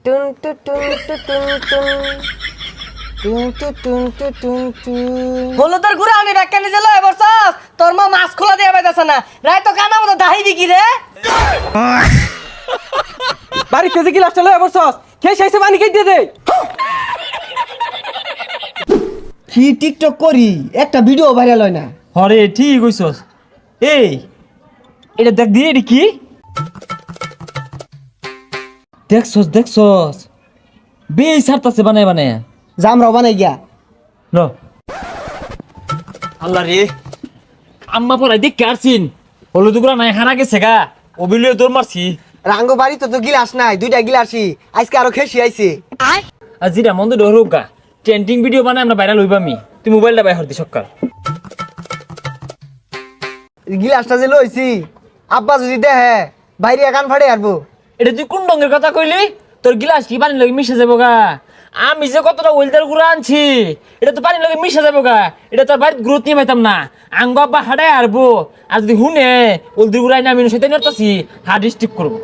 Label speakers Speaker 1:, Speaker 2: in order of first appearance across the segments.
Speaker 1: টুন টু টুন টু টুন টুন টুন টু টুন টু টুন টুন হলুদের গুড়া আমি ব্যাখ্যানি জেলা এবার তোর মা মাছ খোলা দিয়ে পাইতেছে না রায় তো কানা মতো দাহি বিকি রে
Speaker 2: বাড়িতে যে গিলাসটা লয়ে বসছস খেয়ে শেষে পানি খেয়ে দিয়ে দে
Speaker 1: কি টিকটক করি একটা ভিডিও ভাইরাল হয় না
Speaker 2: হরে ঠিক কইছস এই এটা দেখ দিয়ে এটি কি দেখছস বেই সারতাছে বানায় বানায়
Speaker 1: জামরাও বানাই গিয়া
Speaker 2: ল আল্লাহ রে আম্মা পড়াই দেখ কারছিন হলুদ গুড়া নাই হারা গেছে গা ওবিলিয়ে দৌড় মারছি
Speaker 1: রাঙ্গ বাড়িতে তো গিলাস নাই দুইটা গিলাসই আজকে আরো খেসি আইছে
Speaker 2: আর জিরা মন্দ ডরুক গা ট্রেন্ডিং ভিডিও বানায় আমরা ভাইরাল হইবামি তুই মোবাইলটা বাইর হরতি সকাল
Speaker 1: গিলাসটা যে লইছি আব্বা যদি দেখে বাইরে কান ফাড়ে আরবো
Speaker 2: এটা তুই কোন রঙের কথা কইলি তোর গিলাস কি পানির লগে মিশে যাবো গা আমি যে কতটা ওয়েলদার গুঁড়া আনছি এটা তো পানির লগে মিশে যাবো গা এটা তোর বাড়ির গ্রোথ নিয়ে পাইতাম না আঙ্গ আব্বা হাডাই আরবো আর যদি হুনে ওলদির গুঁড়াই না আমি সেটা নিয়ে হার্ড স্টিক করবো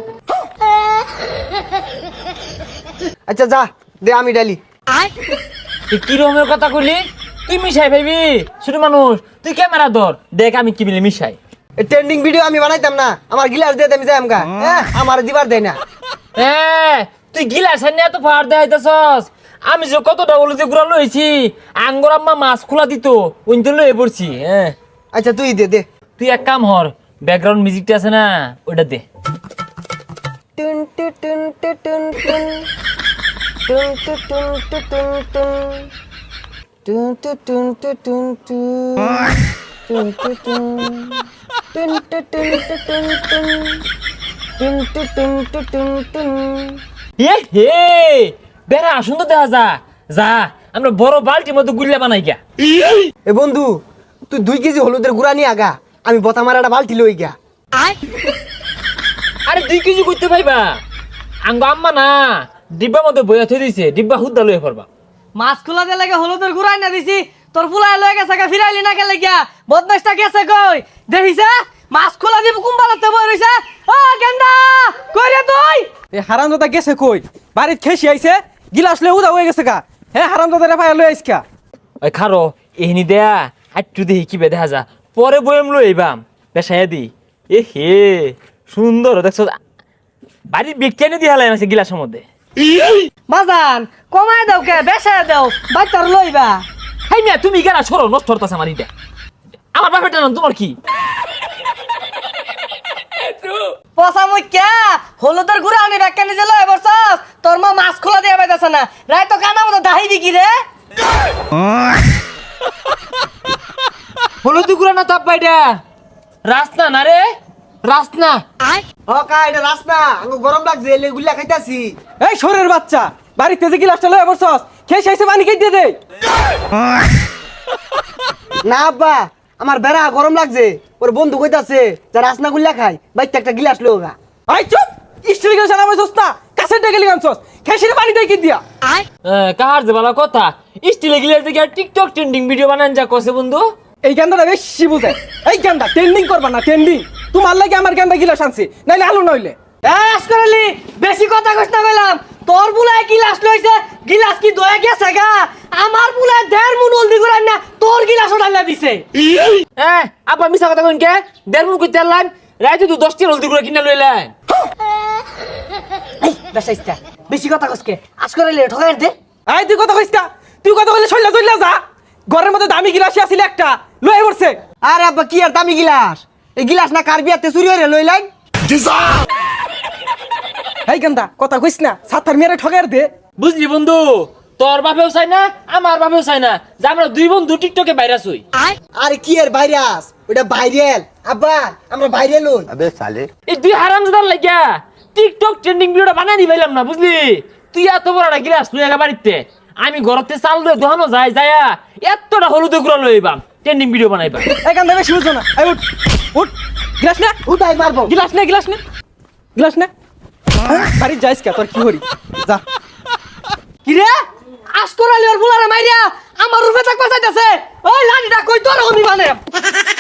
Speaker 1: আচ্ছা যা দে আমি ডালি
Speaker 2: তুই কি রকমের কথা কইলি তুই মিশাই ভাইবি ছোট মানুষ তুই ক্যামেরা ধর দেখ আমি কি বলে মিশাই
Speaker 1: ট্রেন্ডিং ভিডিও আমি বানাইতাম না আমার গিলাস দিয়ে আমি যাই আমগা আমার দিবার দেয় না
Speaker 2: তুই গিলাস নিয়ে এত ফার দেখাইতেছস আমি যে কতটা হলুদে গুড়া লইছি আঙ্গর আম্মা মাছ খোলা দিত ওইতে লয়ে পড়ছি হ্যাঁ
Speaker 1: আচ্ছা তুই দে দে
Speaker 2: তুই এক কাম হর ব্যাকগ্রাউন্ড মিউজিকটা আছে না ওটা দে
Speaker 1: টুন টু টুন টু টুন টুন টুন টু টুন টু টুন টুন টুন টু টুন টু টুন টু টুন টুন টু টুন টু টুন টুন টু টুন টু টুন টুন
Speaker 2: এ হে বেড়া সুন্দর দেখা যা আমরা বড় বালতির মতো গুল্লা বানাই গা
Speaker 1: এ বন্ধু তুই 2 কেজি হলুদের গুঁড়া নিয়ে আগা আমি বতা মারা একটা বালতি লই গা
Speaker 2: আরে 2 কেজি করতে পাইবা আঙ্গ আম্মা না ডিব্বার মধ্যে বইয়া থই দিছে ডিব্বা হুদ্দা লয়ে পড়বা
Speaker 3: মাছ খোলা দিয়ে লাগে হলুদের গুড়াই না দিছি তোর ফুলাই লয়ে গেছে গা ফিরাইলি না গেলে গিয়া বদমাসটা গেছে কই দেখিছে মাছ খোলা দিব কুম্বালাতে বই রইছে ও গেন্দা কই রে তুই
Speaker 2: এই হারামজাদা গেছে কই বাড়িত খেসি আইছে গিলাস লয়ে উদা হয়ে গেছে গা হ্যাঁ হারামজাদা রে ফায়া লয়ে আইসকা ওই খারো এহনি দেয়া আটটু দেখি কি দেখা যা পরে বইম লই আইবাম বেশায়া দি এ হে সুন্দর দেখছো বাড়ির বিজ্ঞানী দি হালাই আছে গিলাসের মধ্যে
Speaker 3: বাজান কমায় দাও কে বেশে দাও বাইতার লইবা
Speaker 2: হাই মিয়া তুমি গেলা সরো নষ্ট হতাছে আমার ইটা আমার বাপেরটা নাম তোমার কি
Speaker 3: পচা মুই কে হলুদের গুড়া আমি ব্যাখ্যানি জেলা এবার তোর মা মাছ খোলা দিয়ে পাইতেছে না রায় তো কানা মতো দাহি বিকি রে
Speaker 2: হলুদ গুড়া না তাপ পাইটা রাস্তা না রে রাস্তা
Speaker 1: ও কা এটা রাস্তা আঙ্গো গরম লাগছে এলে গুল্লা খাইতাছি
Speaker 2: এই শোরের বাচ্চা বাড়িতে যে গিলাসটা লয়ে বসছস খেয়ে শেষে পানি খেয়ে দিয়ে দে
Speaker 1: না আব্বা আমার বেড়া গরম লাগছে ওর বন্ধু কইতাছে যে রাসনা গুল্লা খাই বাইতে একটা গিলাস লোগা
Speaker 2: আই চুপ স্টিল গিলাস আনা বসছস না কাছের ডেকে লিগানছস খেয়ে পানি দিয়ে কি দিয়া কাহার যে ভালো কথা স্টিল গিলাস দেখে টিকটক ট্রেন্ডিং ভিডিও বানান যা কসে বন্ধু এই গান্দাটা বেশি বুঝায় এই গান্দা ট্রেন্ডিং করবা না ট্রেন্ডিং তোমার লাগে আমার গান্দা গিলাস আনছি নাইলে আলু নইলে
Speaker 3: আসকরালি বেশি কথা কইছ না কইলাম তোর বুলায় গিলাস লইছে গিলাস কি দয়ে গেছে গা আমার বুলায় 1.5 মুন হলদি গুড়াই না তোর গিলাস ওঠাইলা দিছে
Speaker 2: আপা মিছা কথা কইন কে 1.5 মুন কইতে লাইন রাইতে তুই 10 টি হলদি গুড়া কিনা লইলেন
Speaker 3: এই বেশাইস্তা বেশি কথা কইছকে আসকরালি ঠকাই দে
Speaker 2: আই তুই কথা কইস্তা তুই কথা কইলে চইলা চইলা যা ঘরের মধ্যে দামি গিলাস আছিল একটা লয়ে পড়ছে
Speaker 1: আরে আব্বা কি আর দামি গিলাস এই গিলাস না কার বিয়াতে চুরি হইরে লই লাই
Speaker 2: এই গান্দা কথা কইছ না সাতার মেরে ঠকাই দে বুঝলি বন্ধু তোর বাপেও চাই না আমার বাপেও চাই না যে আমরা দুই বন্ধু টিকটকে ভাইরাস হই
Speaker 1: আরে কি আর ভাইরাস ওটা ভাইরাল আব্বা আমরা ভাইরাল হই
Speaker 2: এই দুই হারামজাদার লাগিয়া টিকটক ট্রেন্ডিং ভিডিওটা বানাই দিবাইলাম না বুঝলি তুই এত বড় একটা গিলাস তুই একা বাড়িতে আমি ঘরতে চাল দিয়ে দোহানো যায় যায়া এতটা হলুদ গুঁড়া লইবাম ট্রেন্ডিং ভিডিও বানাইবা এই গান্দা বেশি বুঝছো না এই উঠ উঠ গিলাস নে
Speaker 1: উঠাই মারবো
Speaker 2: গিলাস নে গিলাস নে গিলাস নে বাড়ি যাইস কে তোর কি হরি যা
Speaker 3: কি রে আসকরালি ওর বুলারে মাইরা আমার রূপে থাকবা চাইতাছে ওই লাঠিটা কই তোর আমি মানে